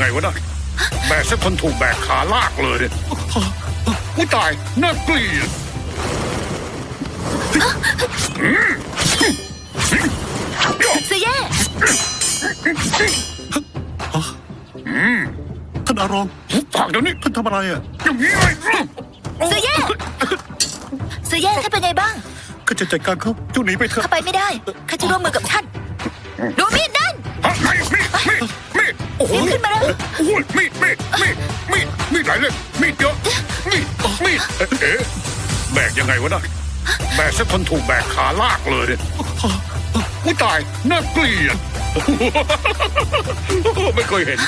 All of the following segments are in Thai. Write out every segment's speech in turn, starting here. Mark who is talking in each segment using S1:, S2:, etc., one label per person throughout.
S1: ไงวะนะแบกสักคนถูกแบกขาลากเลยเนี่ยอุ้ยตายน่าเกลียด
S2: เสียแย่
S3: ท่านอารอง
S1: ปากเดี๋ยวนี้
S3: ท่านทำอะไรอ่ะ
S1: อย่างนี้เลย
S2: เสียแย่เสียแย่ท่านเป็นไงบ้าง
S3: ก็จะจัดการเขาเจ้าหนีไปเถอะ
S2: เข้าไปไม่ได้ข้าจะร่วมมือกับท่านดูมีดนั่น
S1: มีดโอ้โห
S2: รีบขึ้นมาแล้ว
S1: โอ้ยมีดหลายเล่มมีดเยอะมีดเอ๊ะแบกยังไงวะนะแบกสักคนถูกแบกขาลากเลยเนี่ยอุ้ยตายน่าเกลียดไม่เคยเห็น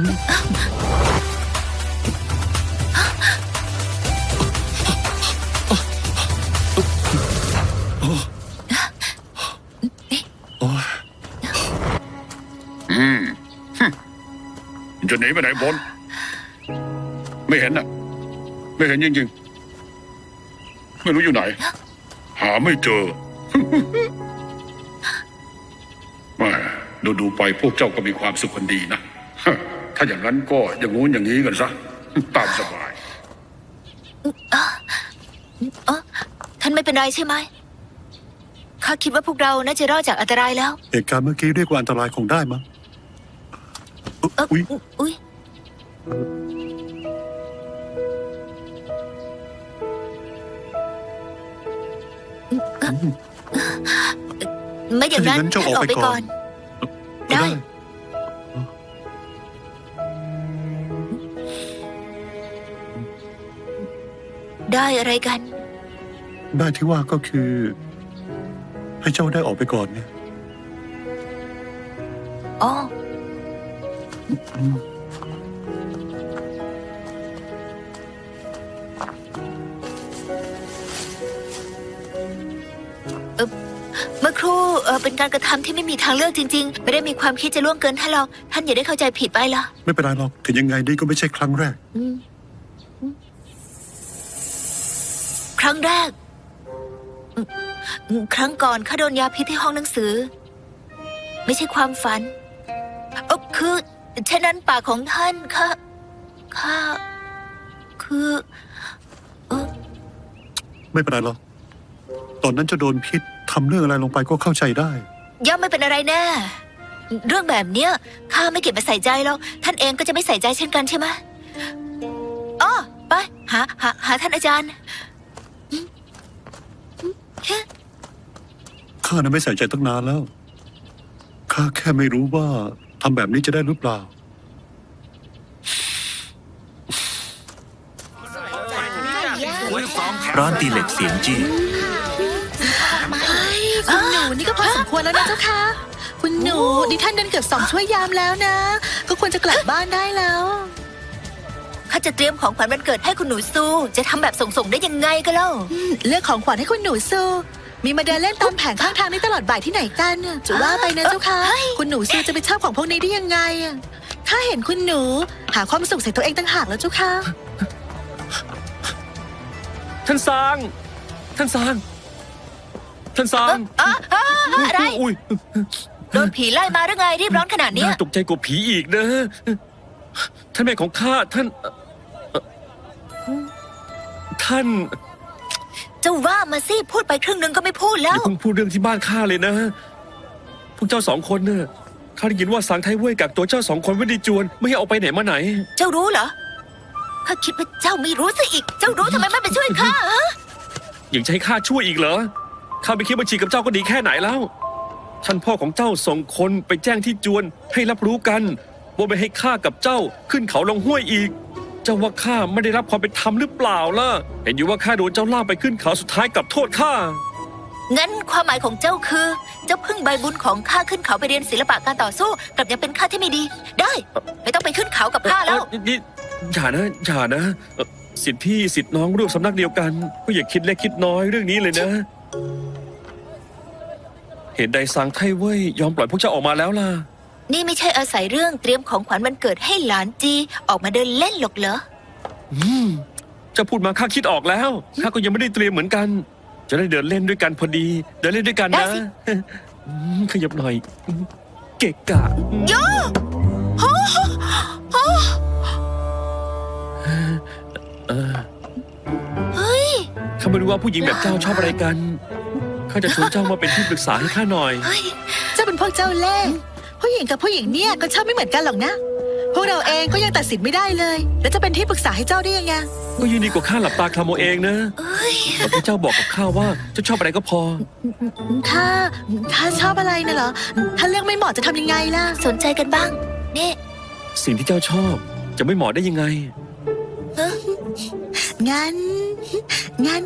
S1: จะหนีไปไหนบนไม่เห็นน่ะไม่เห็นจริงๆไม่รู้อยู่ไหนหาไม่เจอแม่ดูไปพวกเจ้าก็มีความสุขกันดีนะถ้าอย่างนั้นก็อย่างงู้นอย่างนี้กันซะตามสบาย
S2: ท่านไม่เป็นไรใช่ไหมข้าคิดว่าพวกเราน่าจะรอดจากอันตรายแล้ว
S3: เหตุการณ์เมื่อกี้เรียกว่าอันตรายคงได้มั้ง
S2: อุ๊ยไม่อย่างนั้นท่านออกไปก่อนได้ได้อะไรกัน
S3: ได้ที่ว่าก็คือ ให้เจ้าได้ออกไปก่อนเนี่ย
S2: อ๋อเมื่อครู่เป็นการกระทำที่ไม่มีทางเลือกจริงๆไม่ได้มีความคิดจะล่วงเกินท่านหรอกท่านอย่าได้เข้าใจผิดไปล่ะ
S3: ไม่เป็นไรหรอกถึงยังไงนี่ก็ไม่ใช่ครั้งแรก
S2: ครั้งแรกครั้งก่อนข้าโดนยาพิษที่ห้องหนังสือไม่ใช่ความฝันคือฉะนั้นปากของท่านข้าคือ
S3: ไม่เป็นไรหรอกตอนนั้นจะโดนพิษทำเรื่องอะไรลงไปก็เข้าใจได้
S2: ย่อมไม่เป็นอะไรแน่เรื่องแบบเนี้ยข้าไม่เก็บมาใส่ใจหรอกท่านเองก็จะไม่ใส่ใจเช่นกันใช่ไหมอ๋อไปหาท่านอาจารย์
S3: ข้าน่ะไม่ใส่ใจตั้งนานแล้วข้าแค่ไม่รู้ว่าทำแบบนี้จะได้หรือเปล่า
S4: ร้านตีเหล็กเสียงจี้
S5: คุณหนูนี่ก็พอสมควรแล้วนะเจ้าค่ะคุณหนูดิท่านเดินเกือบ2 ชั่วยามแล้วนะก็ควรจะกลับบ้านได้แล้ว
S2: ข้าจะเตรียมของขวัญวันเกิดให้คุณหนูซูจะทำแบบส่งได้ยังไงก็เล่า
S5: เลือกของขวัญให้คุณหนูซูมีมาเดินเล่นตามแผงข้างทางนี้ตลอดบ่ายที่ไหนกันจะว่าไปนะเจ้าค่ะคุณหนูซูจะไปชอบของพวกนี้ได้ยังไงข้าเห็นคุณหนูหาความสุขใส่ตัวเองต่างหากแล้วเจ้าค่ะ
S4: ท่านซาง
S2: อะไรโดนผีไล่มาหรือไงรีบร้อนขนาดนี้
S4: ตกใจกว่าผีอีกนะท่านแม่ของข้าท่าน
S2: เจ้าว่ามาสิพูดไปครึ่งนึงก็ไม่พูดแล้ว
S4: อย่าเพิ่งพูดเรื่องที่บ้านข้าเลยนะพวกเจ้า2 คนเนี่ยข้าได้ยินว่าสางไทเว่ยกักตัวเจ้า2 คนไว้ในจวนไม่ให้ออกไปไหนมาไหน
S2: เจ้ารู้เหรอข้าคิดว่าเจ้าไม่รู้ซะอีกเจ้ารู้ทำไมไม่ไปช่วยข้า
S4: ยังจะให้ข้าช่วยอีกเหรอข้าไปคิดบัญชีกับเจ้าก็ดีแค่ไหนแล้วท่านพ่อของเจ้าส่งคนไปแจ้งที่จวนให้รับรู้กันว่าไม่ให้ข้ากับเจ้าขึ้นเขาลงห้วยอีกเจ้าว่าข้าไม่ได้รับความเป็นธรรมหรือเปล่าล่ะเห็นอยู่ว่าข้าโดนเจ้าล่าไปขึ้นเขาสุดท้ายกับโทษข้า
S2: งั้นความหมายของเจ้าคือเจ้าพึ่งใบบุญของข้าขึ้นเขาไปเรียนศิลปะการต่อสู้กลับยังเป็นข้าที่ไม่ดีได้ไม่ต้องไปขึ้นเขากับข้าแล้ว
S4: นี่อย่านะสิทธิพี่สิทธิน้องร่วมสำนักเดียวกันก็อย่าคิดเล็กคิดน้อยเรื่องนี้เลยนะเหตุใดสางไทเว่ยยอมปล่อยพวกเจ้าออกมาแล้วล่ะ
S2: นี่ไม่ใช่อาศัยเรื่องเตรียมของขวัญวันเกิดให้หลานจีออกมาเดินเล่นหรอกเหรอ
S4: จะพูดมาข้าคิดออกแล้วข้าก็ยังไม่ได้เตรียมเหมือนกันจะได้เดินเล่นด้วยกันพอดีเดินเล่นด้วยกันนะขยับหน่อยเกะกะ
S2: โย่
S4: าไม่รู้ว่าผู้หญิงแบบเจ้าชอบอะไรกันข้าจะชวนเจ้ามาเป็นที่ปรึกษาให้ข้าหน่อย
S2: เฮ้ย
S5: เจ้าเป็นพวกเจ้าเล่ห์ผู้หญิงกับผู้หญิงเนี่ยก็ชอบไม่เหมือนกันหรอกนะ พวกเราเองก็ยังตัดสินไม่ได้เลย แล้วจะเป็นที่ปรึกษาให้เจ้าได้ยังไง
S4: ก็ยินดีกว่าข้าหลับตาคลำเอาเองนะ
S2: เอ้ย
S4: แต่พระเจ้าบอกกับข้าว่าเจ้าชอบอะไรก็พอ
S5: ถ้าชอบอะไรน่ะเหรอ ถ้าเลือกไม่เหมาะจะทำยังไงล่ะ
S2: สนใจกันบ้างนี่
S4: สิ่งที่เจ้าชอบจะไม่เหมาะได้ยังไง
S5: งั้น
S2: งั้น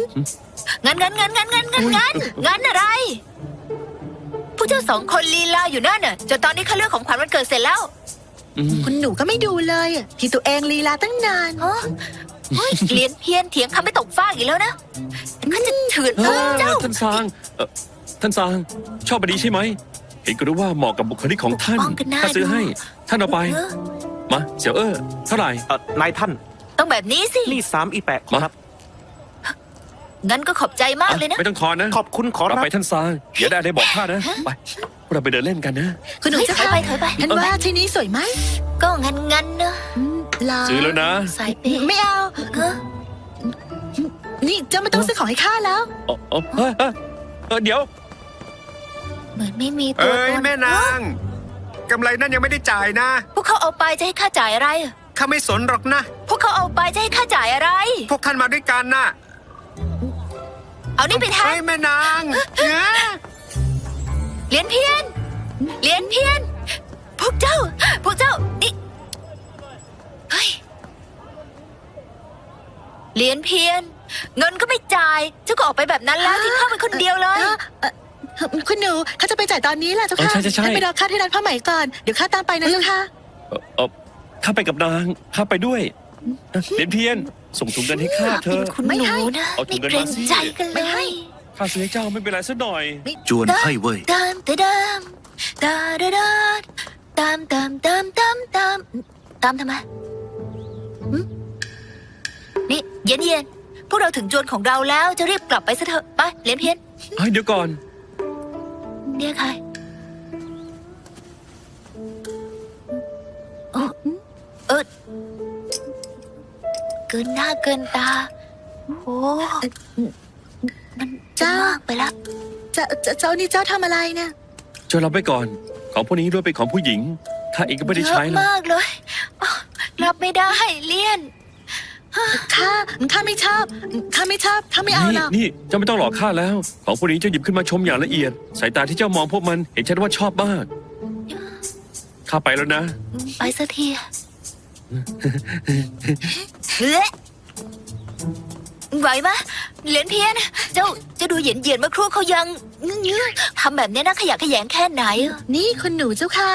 S2: อะไร ผู้เจ้าสองคนลีลาอยู่นั่นน่ะจนตอนนี้ข้าเลือกของขวัญวันเกิดเสร็จแล้ว
S4: อืม
S5: คุณหนูก็ไม่ดูเลยอะที่ตัวเองลีลาตั้งนาน
S2: ฮะเฮ้ยเลียนเพี้ยนเถียงคำไม่ตกฟากอีกแล้วนะข้าจะเถื่อนเจ้า
S4: ท่านซางท่านซางชอบอันนี้ใช่ไหม เห็นก็รู้ว่าเหมาะกับบุคลิกของท่าน
S2: ป้องกันหน้า
S4: ข้าซื้อให้ ท่านเอาไป
S2: เออ
S4: มาเสี่ยวเท่าไหร่
S6: นายท่าน
S2: ต้องแบบนี้สิ
S6: นี่3อีแปะขอรับ
S2: งั้นก็ขอบใจมากเลยนะ
S4: ไม่ต้องทอนนะ
S6: ขอบคุณขอ
S4: เรา
S6: รับ
S4: ไปท่านซางอย่าได้อะไรบอกข้านะ ไปพวกเราไปเดินเล่นกันนะ
S5: คุณหนู
S2: เฮ้ย
S5: จะ
S2: ถอยไปถอยไป
S5: ท่านว่าที่นี้สวยไหม
S2: ก็งั้นนะ
S5: ลา
S4: ซื้อแล้วนะ
S2: สายเปย์
S5: ไม่เอา
S2: เออ
S5: นี่เจ้าไม่ต้องซื้อของให้ข้าแล้ว
S4: เดี๋ยว
S2: เหมือนไม่มีตัว
S7: เอ้ย
S2: ตน
S7: แม่นางกำไรนั่นยังไม่ได้จ่ายนะ
S2: พวกเขาเอาไปจะให้ข้าจ่ายอะไร
S7: ข้าไม่สนหรอกนะ
S2: พวกเขาเอาไปจะให้ข้าจ่ายอะไร
S7: พวกท่านมาด้วยกันน่ะ
S2: เอานี่ไปแท
S7: เฮ้
S2: น
S7: ยแม่นางเนี่ย
S2: เหรียญเพี้ยนพวกเจ้านี่เฮ้ยเหรียญเพี้ยน เงินก็ไม่จ่าย เจ้าก็ออกไปแบบนั้นแล้วที่เข้าไปคนเดียวเลย
S5: คุณหนูเขาจะไปจ่ายตอนนี้แหละเจ้าค่ะ
S4: ใช่
S5: ให้ไปรอข้าที่ร้านผ้าไหมก่อน เดี๋ยวข้าตามไปนะเจ้าค่ะ
S4: ข้าไปกับนาง ข้าไปด้วยเพียนเพียน ส่งถุงเงินให้ข้าเธอะ
S2: คุณ
S5: ไม่
S2: หนู
S5: ให้
S2: นะ
S4: เอาถุ
S2: ไม่
S4: งเงิน
S2: เกร
S4: มาง สิ
S2: ใจกัน
S5: ไม่
S2: เล
S5: ให้
S2: ย
S4: ข้าซื้อให้เจ้าไม่เป็นไรสักหน่อย
S3: จวนไข้เว่ย
S2: ตามทำไมหึนี่เย็นพวกเราถึงจวนของเราแล้วจะรีบกลับไปซะเถอะไปเหรียญเพี้ยน
S4: เดี๋ยวก่อน
S2: เนี่ยใครเกินหน้าเกินตาโอ้มันจะมากไปแล้ว
S5: เจ้านี่เจ้าทำอะไรเนี่ย
S4: ช่วยรับไว้ก่อน ของพวกนี้ด้วยเป็นของผู้หญิง ข้าเองก็ไม่ได้ใช้
S2: เยอะ
S4: หรอก
S2: มากเลยอ้าวรับไม่ได้เลี่ยน
S5: ข้าไม่ชอบข้าไม่เอาหรอก
S4: นี่เจ้าไม่ต้องหลอกข้าแล้ว ของพวกนี้เจ้าหยิบขึ้นมาชมอย่างละเอียด สายตาที่เจ้ามองพวกมันเห็นชัดว่าชอบมาก ข้าไปแล้วนะ
S2: ไปสักทีเฮ้ยไหวไหมเหรียญเพี้ยน เจ้าดูเหยียนเมื่อครู่เขายังทำแบบนี้นะขยะแขยงแค่ไหน
S5: นี่คุณหนูเจ้าค่ะ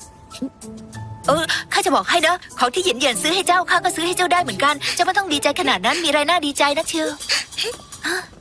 S2: ข้าจะบอกให้นะของที่เหยียนซื้อให้เจ้าข้าก็ซื้อให้เจ้าได้เหมือนกัน เจ้าไม่ต้องดีใจขนาดนั้นมีอะไรน่าดีใจนะเชียว